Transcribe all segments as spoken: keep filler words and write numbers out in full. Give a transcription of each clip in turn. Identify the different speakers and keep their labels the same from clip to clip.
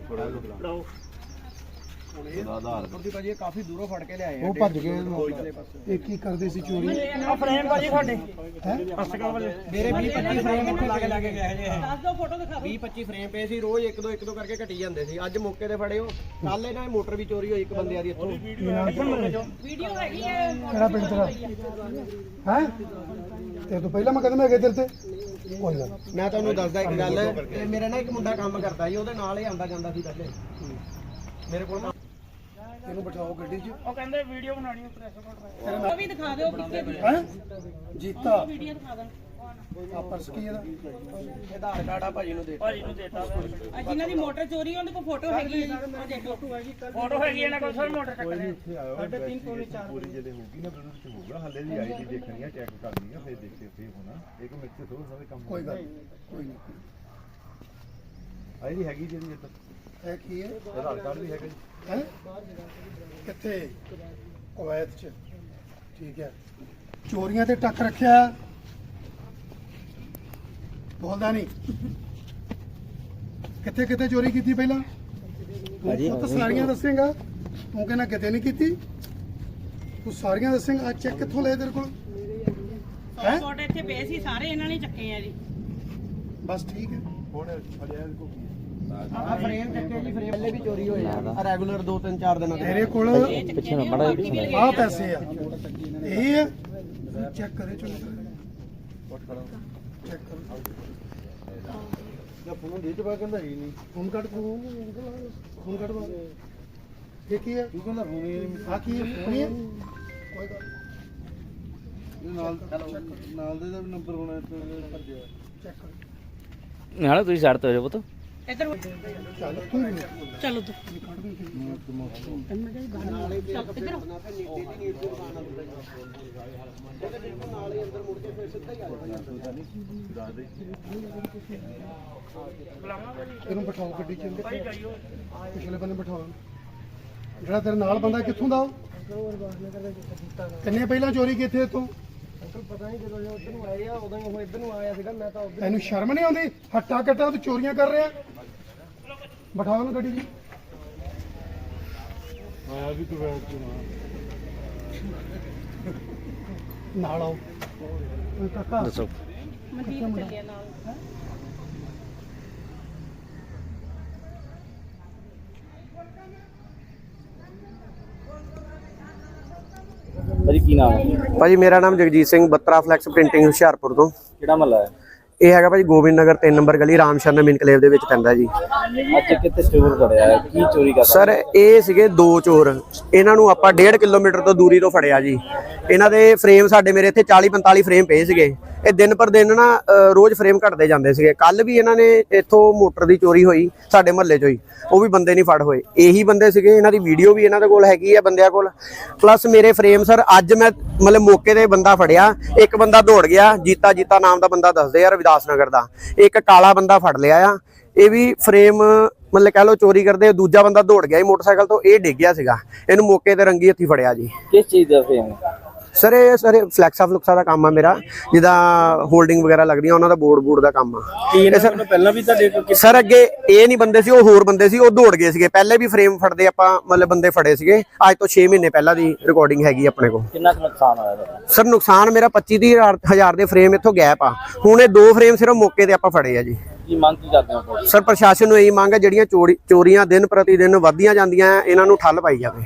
Speaker 1: ਭਾਜੀ ਕਾਫੀ ਦੂਰੋਂ ਫੜ ਕੇ ਲਿਆਏ
Speaker 2: ਉਹ ਭੱਜ ਗਏ ਇਹ ਕੀ ਕਰਦੇ ਸੀ ਚੋਰੀ
Speaker 1: ਆ ਫਰੇਮ ਭਾਜੀ ਤੁਹਾਡੇ ਹੈ ਮੇਰੇ ਵੀਹ ਪੱਚੀ ਫਰੇਮ ਇੱਥੇ ਲਾ ਕੇ ਲਾ ਕੇ ਗਏ ਜੇ ਦੱਸ ਦਿਓ ਫੋਟੋ ਦਿਖਾ ਵੀਹ ਪੱਚੀ ਫਰੇਮ ਪਏ ਸੀ ਰੋਜ਼ ਇੱਕ ਦੋ ਇੱਕ ਦੋ ਕਰਕੇ ਘਟੀ ਜਾਂਦੇ ਸੀ ਅੱਜ ਮੌਕੇ ਤੇ ਫੜੇ ਹੋ ਕੱਲ ਇਹਨਾਂ ਦੀ ਮੋਟਰ ਵੀ ਚੋਰੀ ਹੋਈ ਇੱਕ ਬੰਦਿਆਂ ਦੀ ਇੱਥੋਂ
Speaker 3: ਵੀਡੀਓ ਹੈਗੀ ਹੈ
Speaker 2: ਕਿਹੜਾ ਪਿੰਡ ਤੇਰਾ ਹੈ ਤੇ ਤੋਂ ਪਹਿਲਾਂ ਮੈਂ ਕਦਮ ਹੈਗੇ ਤੇਰੇ ਤੇ ਕੋਈ ਗੱਲ
Speaker 1: ਮੈਂ ਤੁਹਾਨੂੰ ਦੱਸਦਾ ਇੱਕ ਗੱਲ ਤੇ ਮੇਰੇ ਨਾਲ ਇੱਕ ਮੁੰਡਾ ਕੰਮ ਕਰਦਾ ਸੀ ਉਹਦੇ ਨਾਲ ਹੀ ਆਂਦਾ ਜਾਂਦਾ ਸੀ ਪਹਿਲੇ ਮੇਰੇ ਕੋਲ
Speaker 2: ਇਹਨੂੰ ਬਿਠਾਓ ਗੱਡੀ 'ਚ
Speaker 3: ਉਹ ਕਹਿੰਦੇ ਵੀਡੀਓ ਬਣਾਣੀ ਹੈ ਪ੍ਰੈਸ ਕੋਟ ਉਹ ਵੀ ਦਿਖਾ ਦਿਓ ਕਿੱਥੇ ਦੀ
Speaker 2: ਹੈ ਜੀਤਾ
Speaker 3: ਵੀਡੀਓ ਦਿਖਾ ਦਾਂ
Speaker 2: ਆ ਪਰਸ ਕੀ ਇਹਦਾ
Speaker 1: ਆਧਾਰ ਕਾਰਡ ਆ ਭਾਜੀ ਨੂੰ ਦੇ
Speaker 3: ਭਾਜੀ ਨੂੰ ਦੇਤਾ ਆ ਜਿਨ੍ਹਾਂ ਦੀ ਮੋਟਰ ਚੋਰੀ ਉਹਦੇ ਕੋਲ ਫੋਟੋ ਹੈਗੀ ਹੈ ਉਹ ਦੇਖੋ ਫੋਟੋ ਹੈਗੀ ਇਹਨਾਂ ਕੋਲ ਸਰ ਮੋਟਰ ਚੱਕਦੇ
Speaker 1: ਸਾਢੇ ਤਿੰਨ ਪੌਣੇ ਚਾਰ
Speaker 4: ਪੂਰੀ ਜਿਹੜੇ ਹੋਊਗੀ ਨਾ ਉਹਦੇ ਵਿੱਚ ਹੋਊਗਾ ਹੱਲੇ ਦੀ ਆਈਡੀ ਦੇਖਣੀ ਆ ਚੈੱਕ ਕਰਨੀ ਆ ਫਿਰ ਦੇਖਦੇ ਫੇਰ ਹੋਣਾ ਇੱਕ ਮਿੰਟ ਤੇ ਥੋੜਾ ਸਾਰੇ ਕੰਮ
Speaker 2: ਕੋਈ ਗੱਲ ਕੋਈ ਨਹੀਂ
Speaker 4: ਆਈਡੀ ਹੈਗੀ ਜਿਹੜੀ ਇੱਥੇ
Speaker 2: ਇਹ ਕੀ ਹੈ
Speaker 4: ਆਧਾਰ ਕਾਰਡ ਵੀ ਹੈਗਾ ਜੀ
Speaker 2: ਹੈ ਕਿੱਥੇ ਕੁਵੈਤ 'ਚ ਠੀਕ ਹੈ ਚੋਰੀਆਂ ਤੇ ਟੱਕ ਰੱਖਿਆ ਬੋਲਦਾ ਨਹੀਂ ਕਿੱਥੇ ਕਿੱਥੇ ਚੋਰੀ ਕੀਤੀ ਪਹਿਲਾਂ ਤੂੰ ਤਾਂ ਸਾਰੀਆਂ ਦੱਸੇਗਾ ਤੂੰ ਕਹਿੰਦਾ ਕਿਤੇ ਨਹੀਂ ਕੀਤੀ ਤੂੰ ਸਾਰੀਆਂ ਦੱਸੇਗਾ ਆ ਚੈੱਕ ਕਿੱਥੋਂ ਲਏ ਤੇਰੇ ਕੋਲ ਹੈ
Speaker 3: ਫੋਟੋ ਇੱਥੇ ਪਏ ਸੀ ਸਾਰੇ ਇਹਨਾਂ ਨੇ ਚੱਕੇ ਆ ਜੀ
Speaker 2: ਬਸ ਠੀਕ ਹੈ
Speaker 4: ਹੁਣ ਫੜਿਆ ਕੋ ਕੀ
Speaker 1: ਆ ਫਰੇਮ ਚੱਕੇ ਜੀ ਫਰੇਮ ਪਹਿਲੇ ਵੀ ਚੋਰੀ ਹੋਏ ਆ ਰੈਗੂਲਰ ਦੋ ਤਿੰਨ ਚਾਰ ਦਿਨਾਂ
Speaker 2: ਤੇਰੇ ਕੋਲ ਆ ਪੈਸੇ ਆ ਇਹ ਹੈ ਚੈੱਕ ਕਰੇ ਚਲੋ ਚੈੱਕ ਕਰੋ
Speaker 4: ਦਾ ਫੋਨ ਦੇ ਚੁੱਕਾ ਕਹਿੰਦਾ ਹੀ ਨਹੀਂ
Speaker 2: ਫੋਨ ਕੱਢ ਫੋਨ ਫੋਨ ਕੱਢ ਬਾ ਇਹ ਕੀ ਹੈ
Speaker 4: ਤੂੰ ਕਹਿੰਦਾ ਫੋਨ ਹੀ
Speaker 2: ਆ ਕੀ ਹੈ ਫੋਨ ਹੀ ਹੈ ਕੋਈ ਗੱਲ
Speaker 4: ਇਹ ਨਾਲ ਨਾਲ ਦੇ ਦਾ ਨੰਬਰ ਹੋਣਾ ਇੱਥੇ ਭੱਜਿਆ
Speaker 2: ਚੈੱਕ ਕਰ
Speaker 5: ਨਾਲੇ ਤੁਸੀਂ ਛੱਡ ਤੋ ਪੁੱਤ
Speaker 3: ਇੱਧਰ
Speaker 2: ਚੱਲ ਤੂੰ ਵੀ
Speaker 3: ਚਲੋ ਤੂੰ
Speaker 2: ਇਹਨੂੰ ਬਿਠਾਓ ਗੱਡੀ 'ਚ ਪਿਛਲੇ ਬੰਨੇ ਬਿਠਾਓ ਜਿਹੜਾ ਤੇਰੇ ਨਾਲ ਬੰਦਾ ਕਿੱਥੋਂ ਦਾ ਉਹ ਕਿੰਨੇ ਪਹਿਲਾਂ ਚੋਰੀ ਕੀਤੀ ਇੱਥੋਂ
Speaker 1: ਪਤਾ ਨਹੀਂ ਜਦੋਂ ਉਧਰ ਨੂੰ ਆਏ ਆ ਉਦੋਂ ਹੀ ਉਹ ਇੱਧਰ ਨੂੰ ਆਇਆ ਸੀਗਾ ਮੈਂ ਤਾਂ ਉਧਰ
Speaker 2: ਤੈਨੂੰ ਸ਼ਰਮ ਨਹੀਂ ਆਉਂਦੀ ਹੱਟਾ ਕੱਟਾ ਤੂੰ ਚੋਰੀਆਂ ਕਰ ਰਿਹਾ ਬਿਠਾਓ ਉਹਨੂੰ ਗੱਡੀ 'ਚ
Speaker 4: ਆਇਆ ਵੀ ਤੂੰ ਬੈਠ
Speaker 2: ਨਾਲ ਆਓ ਓਏ ਕਾਕਾ
Speaker 5: ਦੱਸੋ
Speaker 3: ਮਨਦੀਪ ਚੱਲਿਆ ਨਾਲ
Speaker 5: ਭਾਜੀ ਕੀ ਨਾਮ ਹੈ
Speaker 1: ਭਾਜੀ ਮੇਰਾ ਨਾਮ ਜਗਜੀਤ ਸਿੰਘ ਬੱਤਰਾ ਫਲੈਕਸ ਪ੍ਰਿੰਟਿੰਗ ਹੁਸ਼ਿਆਰਪੁਰ ਤੋਂ
Speaker 5: ਕਿਹੜਾ ਮਹੱਲਾ ਹੈ
Speaker 1: ਇਹ ਹੈਗਾ ਭਾਜੀ ਗੋਬਿੰਦ ਨਗਰ ਤਿੰਨ ਨੰਬਰ ਗਲੀ ਰਾਮ ਸ਼ਰਨ ਇਨਕਲੇਵ ਦੇ ਵਿੱਚ ਪੈਂਦਾ ਜੀ
Speaker 5: ਅੱਜ ਕਿੱਥੇ ਸਟੋਰ ਫੜਿਆ ਹੈ ਕੀ ਚੋਰੀ ਕਰਦਾ
Speaker 1: ਸਰ ਇਹ ਸੀਗੇ ਦੋ ਚੋਰ ਇਹਨਾਂ ਨੂੰ ਆਪਾਂ ਡੇਢ ਕਿਲੋਮੀਟਰ ਤੋਂ ਦੂਰੀ ਤੋਂ ਫੜਿਆ ਜੀ ਇਹਨਾਂ ਦੇ ਫਰੇਮ ਸਾਡੇ ਮੇਰੇ ਇੱਥੇ ਚਾਲੀ ਪੰਤਾਲੀ ਫਰੇਮ ਪਏ ਸੀਗੇ ਇਹ ਦਿਨ ਪਰ ਦਿਨ ਨਾ ਰੋਜ਼ ਫਰੇਮ ਘਟਦੇ ਜਾਂਦੇ ਸੀਗੇ ਕੱਲ ਵੀ ਇਹਨਾਂ ਨੇ ਇੱਥੋਂ ਮੋਟਰ ਦੀ ਚੋਰੀ ਹੋਈ ਸਾਡੇ ਮਹੱਲੇ 'ਚੋਂ ਹੀ ਉਹ ਵੀ ਬੰਦੇ ਨਹੀਂ ਫੜ ਹੋਏ ਇਹੀ ਬੰਦੇ ਸੀਗੇ ਇਹਨਾਂ ਦੀ ਵੀਡੀਓ ਵੀ ਇਹਨਾਂ ਦੇ ਕੋਲ ਹੈਗੀ ਆ ਬੰਦਿਆਂ ਕੋਲ ਪਲੱਸ ਮੇਰੇ ਫਰੇਮ ਸਰ ਅੱਜ ਮੈਂ ਮਤਲਬ ਮੌਕੇ ਤੇ ਬੰਦਾ ਫੜਿਆ ਇੱਕ ਬੰਦਾ ਦੌੜ ਗਿਆ ਜੀਤਾ ਜੀਤਾ ਨਾਮ ਦਾ ਬੰਦਾ ਦੱਸਦੇ ਆ ਰਵਿਦਾਸ ਨਗਰ ਦਾ ਇੱਕ ਕਾਲਾ ਬੰਦਾ ਫੜ ਲਿਆ ਆ ਇਹ ਵੀ ਫਰੇਮ ਮਤਲਬ ਕਹਿ ਲਓ ਚੋਰੀ ਕਰਦੇ ਦੂਜਾ ਬੰਦਾ ਦੌੜ ਗਿਆ ਮੋਟਰਸਾਈਕਲ ਤੋਂ ਇਹ ਡਿੱਗ ਗਿਆ ਸੀਗਾ ਇਹਨੂੰ ਮੌਕੇ ਤੇ ਰੰਗੀ ਹੱਥੀ ਫੜਿਆ ਜੀ
Speaker 5: ਕਿਸ ਚੀਜ਼ ਦਾ ਫੇਮ
Speaker 1: ਸਰ ਇਹ ਸਰ ਫਲੈਕਸਾ ਫਲੁਕਸਾ ਦਾ ਕੰਮ ਆ ਮੇਰਾ ਜਿੱਦਾਂ ਹੋਲਡਿੰਗ ਵਗੈਰਾ ਲੱਗਦੀਆਂ ਉਹਨਾਂ ਦਾ ਬੋਰਡ ਬੋਰਡ ਦਾ ਕੰਮ ਆ
Speaker 5: ਸਰ ਪਹਿਲਾਂ ਵੀ ਤੁਹਾਡੇ
Speaker 1: ਸਰ ਅੱਗੇ ਇਹ ਨਹੀਂ ਬੰਦੇ ਸੀ ਉਹ ਹੋਰ ਬੰਦੇ ਸੀ ਉਹ ਦੌੜ ਗਏ ਸੀਗੇ ਪਹਿਲੇ ਵੀ ਫਰੇਮ ਫੜਦੇ ਆਪਾਂ ਮਤਲਬ ਬੰਦੇ ਫੜੇ ਸੀਗੇ ਅੱਜ ਤੋਂ ਛੇ ਮਹੀਨੇ ਪਹਿਲਾਂ ਦੀ ਰਿਕਾਰਡਿੰਗ ਹੈਗੀ ਆਪਣੇ ਕੋਲ
Speaker 5: ਕਿੰਨਾ ਕੁ ਨੁਕਸਾਨ ਹੋਇਆ ਤੁਹਾਡਾ
Speaker 1: ਸਰ ਨੁਕਸਾਨ ਮੇਰਾ ਪੱਚੀ ਤੀਹ ਹਜ਼ਾਰ ਦੇ ਫਰੇਮ ਇੱਥੋਂ ਗੈਪ ਆ ਹੁਣ ਇਹ ਦੋ ਫਰੇਮ ਸਿਰਫ ਮੌਕੇ ਤੇ ਆਪਾਂ ਫੜੇ ਆ ਜੀ
Speaker 5: ਕੀ ਮੰਗ ਕੀ ਕਰਦੇ ਹੋ
Speaker 1: ਸਰ ਪ੍ਰਸ਼ਾਸਨ ਨੂੰ ਇਹੀ ਮੰਗ ਹੈ ਜਿਹੜੀਆਂ ਚੋਰੀ ਚੋਰੀਆਂ ਦਿਨ ਪ੍ਰਤੀ ਦਿਨ ਵੱਧਦੀਆਂ ਜਾਂਦੀਆਂ ਇਹਨਾਂ ਨੂੰ ਠੱਲ ਪਾਈ ਜਾਵੇ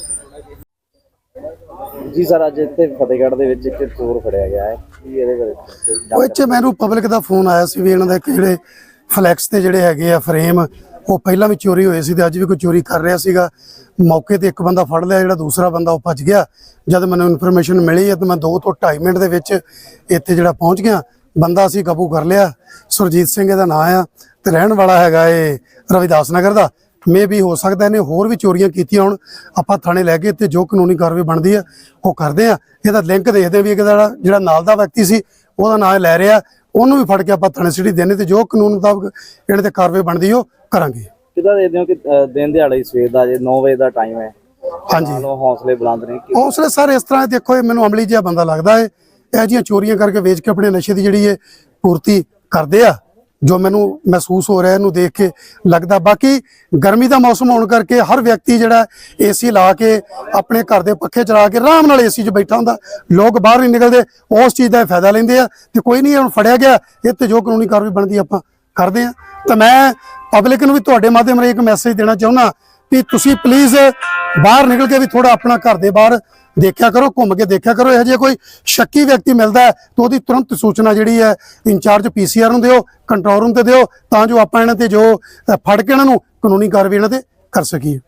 Speaker 5: ਜੀ ਸਰ ਅੱਜ ਇੱਥੇ ਫਤਿਹਗੜ੍ਹ ਦੇ ਵਿੱਚ ਇੱਕ ਚੋਰ ਫੜਿਆ ਗਿਆ ਹੈ ਕੀ ਇਹਦੇ ਬਾਰੇ
Speaker 2: ਉਹ ਇੱਥੇ ਮੈਨੂੰ ਪਬਲਿਕ ਦਾ ਫੋਨ ਆਇਆ ਸੀ ਵੀ ਇਹਨਾਂ ਦੇ ਜਿਹੜੇ ਫਲੈਕਸ ਤੇ ਜਿਹੜੇ ਹੈਗੇ ਆ ਫਰੇਮ ਉਹ ਪਹਿਲਾਂ ਵੀ ਚੋਰੀ ਹੋਏ ਸੀ ਤੇ ਅੱਜ ਵੀ ਕੋਈ ਚੋਰੀ ਕਰ ਰਿਹਾ ਸੀਗਾ ਮੌਕੇ ਤੇ ਇੱਕ ਬੰਦਾ ਫੜ ਲਿਆ ਜਿਹੜਾ ਦੂਸਰਾ ਬੰਦਾ ਉਹ ਭੱਜ ਗਿਆ ਜਦ ਮੈਨੂੰ ਇਨਫੋਰਮੇਸ਼ਨ ਮਿਲੀ ਤੇ ਮੈਂ ਦੋ ਤੋਂ ਢਾਈ ਮਿੰਟ ਦੇ ਵਿੱਚ ਇੱਥੇ ਜਿਹੜਾ ਪਹੁੰਚ ਗਿਆ ਬੰਦਾ ਅਸੀਂ ਕਾਬੂ ਕਰ ਲਿਆ ਸੁਰਜੀਤ ਸਿੰਘ ਇਹਦਾ ਨਾਂ ਆ ਤੇ ਰਹਿਣ ਵਾਲਾ ਹੈਗਾ ਇਹ ਰਵਿਦਾਸ ਨਗਰ ਦਾ ਮੇ ਵੀ ਹੋ ਸਕਦਾ ਇਹਨੇ ਹੋਰ ਵੀ ਚੋਰੀਆਂ ਕੀਤੀਆਂ ਹੁਣ ਆਪਾਂ ਥਾਣੇ ਲੈ ਕੇ ਤੇ ਜੋ ਕਾਨੂੰਨੀ ਕਾਰਵਾਈ ਬਣਦੀ ਆ ਉਹ ਕਰਦੇ ਆ ਇਹਦਾ ਲਿੰਕ ਦੇਖਦੇ ਵੀ ਇਹਦਾ ਜਿਹੜਾ ਨਾਲ ਦਾ ਵਿਅਕਤੀ ਸੀ ਉਹਦਾ ਨਾਂ ਲੈ ਰਿਹਾ ਉਹਨੂੰ ਵੀ ਫੜ ਕੇ ਆਪਾਂ ਥਾਣੇ ਸਿਟੀ ਦੇਣੇ ਤੇ ਜੋ ਕਾਨੂੰਨ ਮੁਤਾਬਕ ਇਹਨਾਂ ਤੇ ਕਾਰਵਾਈ ਬਣਦੀ ਉਹ ਕਰਾਂਗੇ
Speaker 5: ਕਿਦਾਂ ਦੇਖਦੇ ਹੋ ਕਿ ਦਿਨ ਦਿਹਾੜੇ ਸਵੇਰ ਦਾ ਜੇ ਨੌ ਵਜੇ ਦਾ ਟਾਈਮ ਹੈ
Speaker 2: ਹਾਂਜੀ
Speaker 5: ਹੌਸਲੇ ਬੁਲੰਦ ਨੇ
Speaker 2: ਹੌਸਲੇ ਸਰ ਇਸ ਤਰ੍ਹਾਂ ਦੇਖੋ ਇਹ ਮੈਨੂੰ ਅਮਲੀ ਜਿਹਾ ਬੰਦਾ ਲੱਗਦਾ ਹੈ ਇਹ ਜਿਹੀਆਂ ਚੋਰੀਆਂ ਕਰਕੇ ਵੇਚ ਕੇ ਆਪਣੇ ਨਸ਼ੇ ਦੀ ਜਿਹੜੀ ਹੈ ਪੂਰਤੀ ਕਰਦੇ ਆ ਜੋ ਮੈਨੂੰ ਮਹਿਸੂਸ ਹੋ ਰਿਹਾ ਇਹਨੂੰ ਦੇਖ ਕੇ ਲੱਗਦਾ। ਬਾਕੀ ਗਰਮੀ ਦਾ ਮੌਸਮ ਹੋਣ ਕਰਕੇ ਹਰ ਵਿਅਕਤੀ ਜਿਹੜਾ ਏਸੀ ਲਾ ਕੇ ਆਪਣੇ ਘਰ ਦੇ ਪੱਖੇ ਚਲਾ ਕੇ ਆਰਾਮ ਨਾਲ ਏਸੀ 'ਚ ਬੈਠਾ ਹੁੰਦਾ, ਲੋਕ ਬਾਹਰ ਨਹੀਂ ਨਿਕਲਦੇ, ਉਸ ਚੀਜ਼ ਦਾ ਫਾਇਦਾ ਲੈਂਦੇ ਆ। ਤੇ ਕੋਈ ਨਹੀਂ, ਹੁਣ ਫੜਿਆ ਗਿਆ ਇਹ ਤੇ ਜੋ ਕਾਨੂੰਨੀ ਕਾਰਵਾਈ ਬਣਦੀ ਆਪਾਂ ਕਰਦੇ ਆ। ਤਾਂ ਮੈਂ ਪਬਲਿਕ ਨੂੰ ਵੀ ਤੁਹਾਡੇ ਮਾਧਿਅਮ ਰਾਹੀਂ ਇੱਕ ਮੈਸੇਜ ਦੇਣਾ ਚਾਹੁੰਦਾ ਵੀ ਤੁਸੀਂ ਪਲੀਜ਼ ਬਾਹਰ ਨਿਕਲ ਕੇ ਵੀ ਥੋੜਾ ਆਪਣਾ ਘਰ ਦੇ ਬਾਹਰ ਦੇਖਿਆ ਕਰੋ, ਘੁੰਮ ਕੇ ਦੇਖਿਆ ਕਰੋ। ਇਹੋ ਜਿਹਾ ਕੋਈ ਸ਼ੱਕੀ ਵਿਅਕਤੀ ਮਿਲਦਾ ਹੈ ਤਾਂ ਉਹਦੀ ਤੁਰੰਤ ਸੂਚਨਾ ਜਿਹੜੀ ਹੈ ਇੰਚਾਰਜ ਪੀਸੀਆਰ ਨੂੰ ਦਿਓ, ਕੰਟਰੋਲ ਰੂਮ ਤੇ ਦਿਓ, ਤਾਂ ਜੋ ਆਪਾਂ ਇਹਨਾਂ ਤੇ ਜੋ ਅ, ਫੜ ਕੇ ਇਹਨਾਂ ਨੂੰ ਕਾਨੂੰਨੀ ਕਾਰਵਾਈ ਇਹਨਾਂ ਤੇ ਕਰ ਸਕੀਏ।